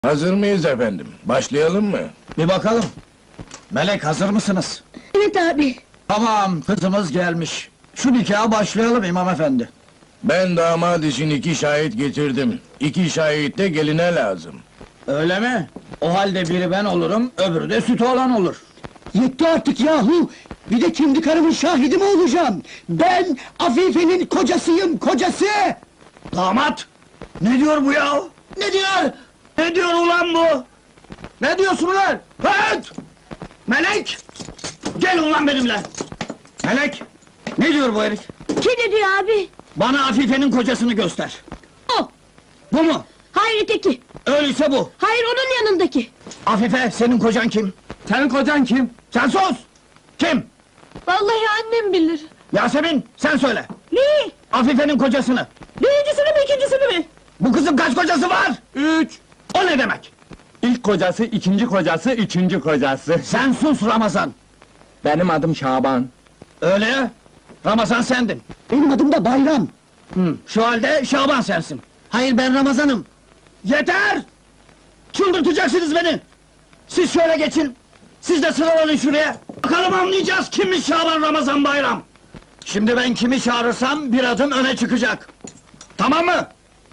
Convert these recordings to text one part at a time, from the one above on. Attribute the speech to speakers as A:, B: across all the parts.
A: Hazır mıyız efendim? Başlayalım mı?
B: Bir bakalım. Melek, hazır mısınız?
C: Evet abi.
B: Tamam, kızımız gelmiş. Şu nikaha başlayalım imam efendi.
A: Ben damat için 2 şahit getirdim. 2 şahit de geline lazım.
B: Öyle mi? O halde biri ben olurum, öbürü de sütü olan olur.
D: Yetti artık yahu! Bir de kendi karımın şahidi mi olacağım? Ben Afife'nin kocasıyım, kocası!
B: Damat! Ne diyor bu ya? Ne diyor? Ne diyor ulan bu? Ne diyorsun ulan? Hıt! Melek! Gel ulan benimle! Melek! Ne diyor bu herif?
C: Kim ne diyor abi?
B: Bana Afife'nin kocasını göster.
C: O.
B: Bu mu?
C: Hayır öteki.
B: Öyleyse bu.
C: Hayır onun yanındaki.
B: Afife, senin kocan kim? Senin kocan kim? Sen sus! Kim?
C: Vallahi annem bilir.
B: Yasemin, sen söyle!
C: Ne?
B: Afife'nin kocasını!
C: Birincisini mi ikincisini mi?
B: Bu kızın kaç kocası var?
E: 3.
B: O ne demek?
E: İlk kocası, ikinci kocası, üçüncü kocası.
B: Sen sus Ramazan!
E: Benim adım Şaban.
B: Öyle ya! Ramazan sendin!
D: Benim adım da Bayram!
B: Şu halde Şaban sensin!
D: Hayır, ben Ramazan'ım!
B: Yeter! Çıldırtacaksınız beni! Siz şöyle geçin! Siz de sıralanın şuraya! Bakalım anlayacağız kimmiş Şaban Ramazan Bayram! Şimdi ben kimi çağırırsam bir adım öne çıkacak! Tamam mı?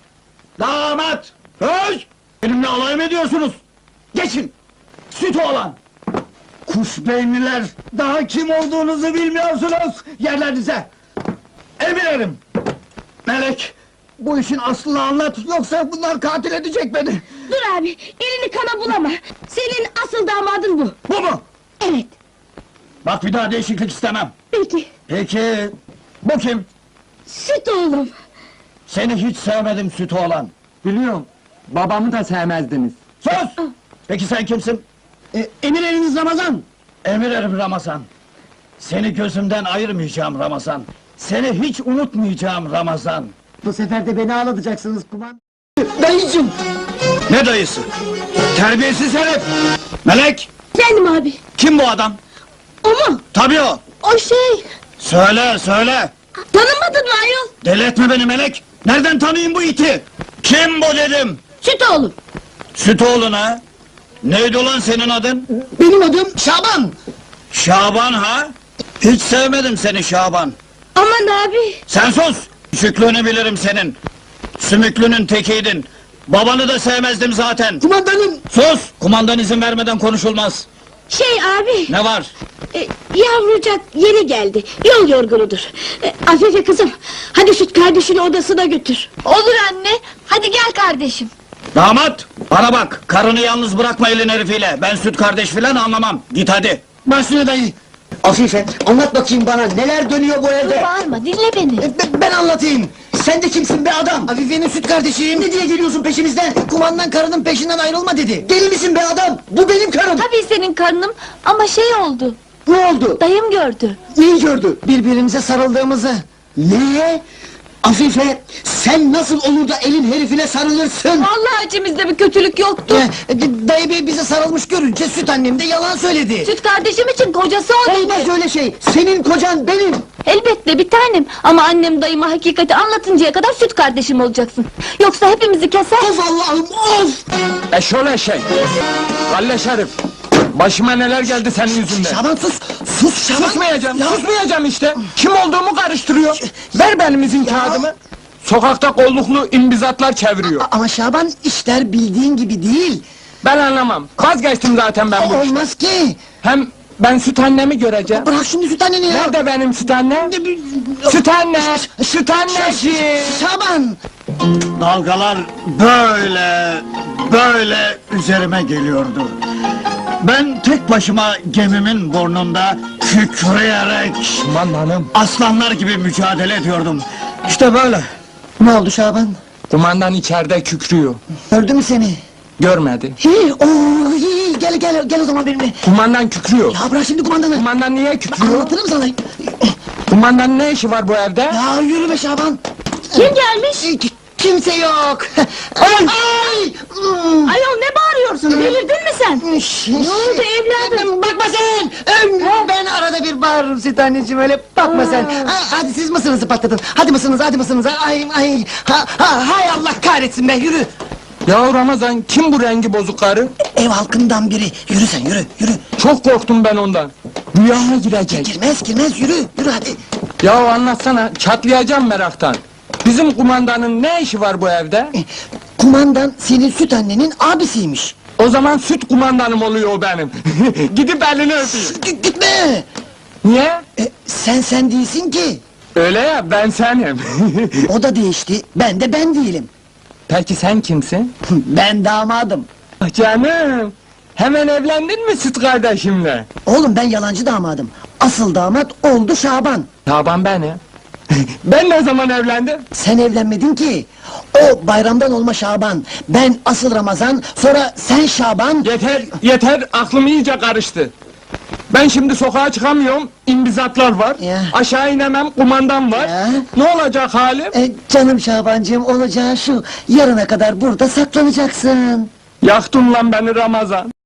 B: Damat! Öz! Benimle alay mı ediyorsunuz? Geçin! Süt oğlan! Kuş beyinliler! Daha kim olduğunuzu bilmiyorsunuz! Yerlerinize! Emirim! Melek! Bu işin aslını anlat, yoksa bunlar katil edecek beni!
C: Dur abi, elini kana bulama. Senin asıl damadın bu.
B: Bu mu?
C: Evet.
B: Bak bir daha değişiklik istemem!
C: Peki.
B: Peki, bu kim?
C: Süt oğlum.
B: Seni hiç sevmedim süt oğlan!
E: Biliyorum, babamı da sevmezdiniz.
B: Sus! Peki sen kimsin?
D: Emir eliniz Ramazan!
B: Emir erim Ramazan! Seni gözümden ayırmayacağım Ramazan! Seni hiç unutmayacağım Ramazan!
D: Bu sefer de beni ağlatacaksınız kuman! Dayıcım!
B: Ne dayısı? Terbiyesiz herif! Melek!
C: Efendim abi.
B: Kim bu adam?
C: O mu?
B: Tabii o!
C: O şey.
B: Söyle, söyle!
C: Tanımadın mı ayol?
B: Deli etme beni Melek! Nereden tanıyayım bu iti? Kim bu dedim?
C: Süt oğlum.
B: Süt oğlun ha? Neydi ulan senin adın?
D: Benim adım Şaban!
B: Şaban ha? Hiç sevmedim seni Şaban!
C: Aman abi.
B: Sen sus! Küçüklüğünü bilirim senin! Sümüklünün tekiydin! Babanı da sevmezdim zaten!
D: Kumandanım!
B: Sus! Kumandan izin vermeden konuşulmaz!
C: Şey abi.
B: Ne var?
C: Yavrucak yeni geldi. Yol yorgunudur. Afife kızım. Hadi süt kardeşini odasına götür. Olur anne. Hadi gel kardeşim.
B: Damat! Bana bak! Karını yalnız bırakma elin herifiyle! Ben süt kardeş filan anlamam! Git hadi!
D: Başüstüne dayı! Afife, anlat bakayım bana, neler dönüyor bu evde?
C: Bağırma dinle beni.
D: Ben anlatayım! Sen de kimsin be adam? Afife'nin süt kardeşiyim! Ne diye geliyorsun peşimizden? Kumandan karının peşinden ayrılma dedi! Deli misin be adam? Bu benim karım!
F: Tabii senin karnım ama şey oldu,
D: Ne oldu?
F: dayım gördü.
D: Neyi gördü? Birbirimize sarıldığımızı! Ne? Afife, sen nasıl olur da elin herifine sarılırsın?
F: Vallahi içimizde bir kötülük yoktu.
D: Dayı bey bize sarılmış görünce süt annem de yalan söyledi!
F: Süt kardeşim için kocası o dedi.
D: Olmaz öyle şey! Senin kocan benim!
F: Elbette bir tanem ama annem dayıma hakikati anlatıncaya kadar süt kardeşim olacaksın. Yoksa hepimizi keser.
D: Of Allah'ım, of!
E: Şöyle şey! Galle Şerif! Başıma neler geldi senin yüzünden!
D: Şaban sus! Sus Şaban!
E: Susmayacağım,
D: Ya-
E: susmayacağım işte! Kim olduğumu karıştırıyor! Ver benim izin kağıdımı! Sokakta kolluklu imbizatlar çeviriyor!
D: Ama Şaban, işler bildiğin gibi değil!
E: Ben anlamam! Vazgeçtim zaten ben bu işten!
D: Olmaz ki!
E: Hem ben süt annemi göreceğim!
D: Bırak şimdi süt anneni ya!
E: Nerede benim süt annem? Süt anne! Süt anneciğim!
D: Şaban!
B: Dalgalar böyle üzerime geliyordu. Ben tek başıma gemimin burnunda kükreyerek
E: Kumandanım!
B: aslanlar gibi mücadele ediyordum. İşte böyle.
D: Ne oldu Şaban?
E: Kumandan içeride kükrüyor!
D: Gördü mü seni?
E: Görmedi!
D: Gel o zaman benimle!
E: Kumandan kükrüyor!
D: Ya bırak şimdi kumandanı!
E: Kumandan niye kükrüyor?
D: Anlatırım sana!
E: Kumandanın ne işi var bu evde?
D: Ya yürü be Şaban!
C: Kim gelmiş?
D: Kimse yok!
C: Ay!
D: Ay!
C: Ayol ne bağırıyorsun? Delirdin mi sen?
D: Ne
C: oldu evladım?
D: Bakma sen! Ben arada bir bağırırım süt anneciğim, öyle bakma sen! Hadi siz mısınızı patladın! Hadi mısınız, hadi mısınız? Ay! Hay Allah kahretsin be, yürü!
E: Ya Ramazan, kim bu rengi bozuk karı?
D: Ev halkından biri. Yürü sen yürü yürü.
E: Çok korktum ben ondan. Rüyama girecek.
D: Girmez yürü yürü hadi.
E: Ya anlatsana, çatlayacağım meraktan. Bizim kumandanın ne işi var bu evde?
D: Kumandan senin süt annenin abisiymiş.
E: O zaman süt kumandanım oluyor o benim. Gidip elini öpeyim.
D: Gitme.
E: Niye?
D: Sen değilsin ki.
E: Öyle ya, ben senim.
D: O da değişti. Ben de ben değilim.
E: Peki sen kimsin?
D: Ben damadım.
E: Ah canım, hemen evlendin mi süt kardeşimle?
D: Oğlum ben yalancı damadım. Asıl damat oldu Şaban.
E: Taban benim. Ben ne zaman evlendim?
D: Sen evlenmedin ki. O bayramdan olma Şaban. Ben asıl Ramazan, sonra sen Şaban.
E: Yeter, aklım iyice karıştı. Ben şimdi sokağa çıkamıyorum, imbizatlar var.
D: Ya.
E: Aşağı inemem, kumandan var.
D: Ya.
E: Ne olacak halim?
D: Canım Şabancığım, olacağı şu. Yarına kadar burada saklanacaksın.
E: Yaktın lan beni Ramazan.